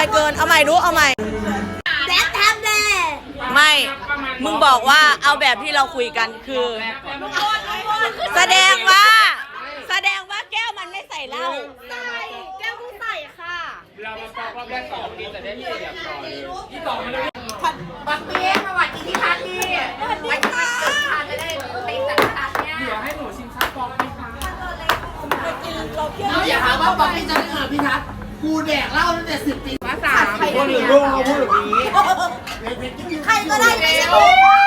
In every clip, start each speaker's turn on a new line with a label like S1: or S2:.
S1: อยเกินเอาใหม่รู้เอาใหม่แดดทำเลยไม่มึงบอกว่าเอาแบบที่เราคุยกันคือแสดงว่าแก้วมันไม่ใส่เหล้าใส่แก้วมึงใส่ค่ะ
S2: เรามาฟังรอบแรกสองดีแต่ได้เปรียบก่อนที่สองมัน
S3: ปักเปี้ยสวัสดีที่พักดีวันนี้มันเกิดทานจะได้ตีสังกัดเนี่ย
S2: เดี๋ยวให้หนูชิมซักฟองไหมคะ
S3: อย่าหาว่าปักเปี้ยจะได้พี่ทัศน์กูแดกเหล้าตั้งแต่10 ปีมา3
S2: คนอื่นร่วงเขาพูดแบบนี้
S1: ใครก็ได้ไม่ใช่กู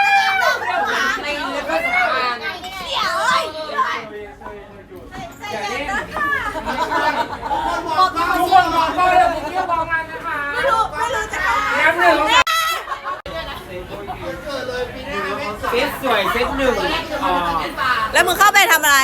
S1: เดี๋ยว
S2: ทุกคนบอกก็เลยผมเที่ยวบอกงานนะคะ
S1: ไม่รู้จะ
S2: แล้วหนึ่งเซตสวยเซตหนึ่ง
S1: แล้วมึงเข้าไปทำอะไร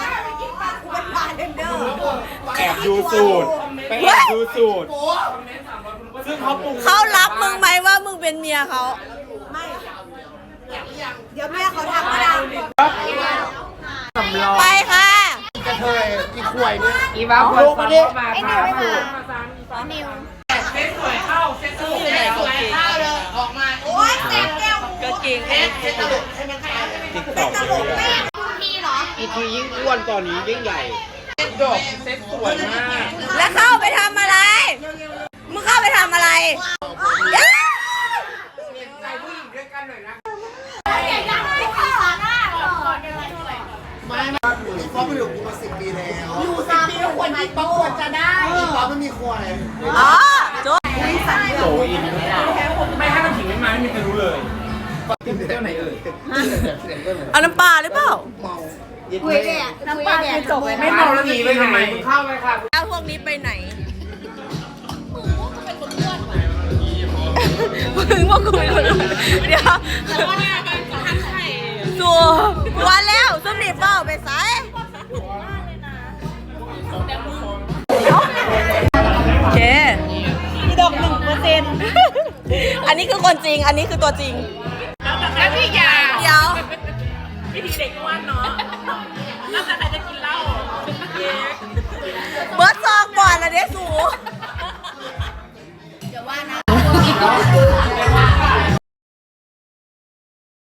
S2: แอบดูสูตรไปแอบดูสูตรซึ่ง
S1: เขารับมึงไหมว่ามึงเป็นเมียเขาไม่เดี๋ยวแม่เขาทำก็ได้ไปค่ะ
S3: กระเทยอีขวยเนี่ย
S2: อีบ้าคนมาดิมาค่ะ
S1: นิว
S2: เซตสวยเข้าเซตสวย
S3: เข้าเลยออกมาโอ๊ยแซ่บแก้ว
S1: ก็จริง
S3: เซตตลกใช่ไหมคะ
S2: ติ๊กต็อกเลย
S1: พี่เหรอ
S2: อีทียิ่งอ้วนตอนนี้ยิ่งใหญ่เซตดกเซตสวยมาก
S1: แล้วเข้าไปทำอะไรมึงเข้าไปทำอะไร
S2: ใจผู้หญิงด้วยกันหน่อยนะ
S3: ไม่อีป๊อปมันอยู่กูมา10 ปีแล้วอยู่10 ปีแล้วควรอีป๊อปควรจะได้อีป๊อปมันมีควาย
S1: อ๋อโจ้
S2: โตอินไม่ให้มันถิงไม่มาไม่มีใครรู้เลยเที่ยวไหนเอ่ย
S1: เอาน้ำปลาหรือเปล่า
S3: เมา
S1: คุยเนี่ยน้ำปลาคือจบเลย
S2: ไม่เมาแล้วหนีไปทำไมเข้าไปค่ะ
S1: แล้วพวกนี้ไปไหนมึงว่ากูเป็นคนเดี๋ยวสัววันแล้วส้มหนีเปล่าไปใส่โอเคดอก1%อันนี้คือคนจริงอันนี้คือตัวจริง
S2: แล้วพี่ยา
S1: เดี๋ยว
S2: วิธีเด็กอ้วนเนาะแล้วแต่ไหน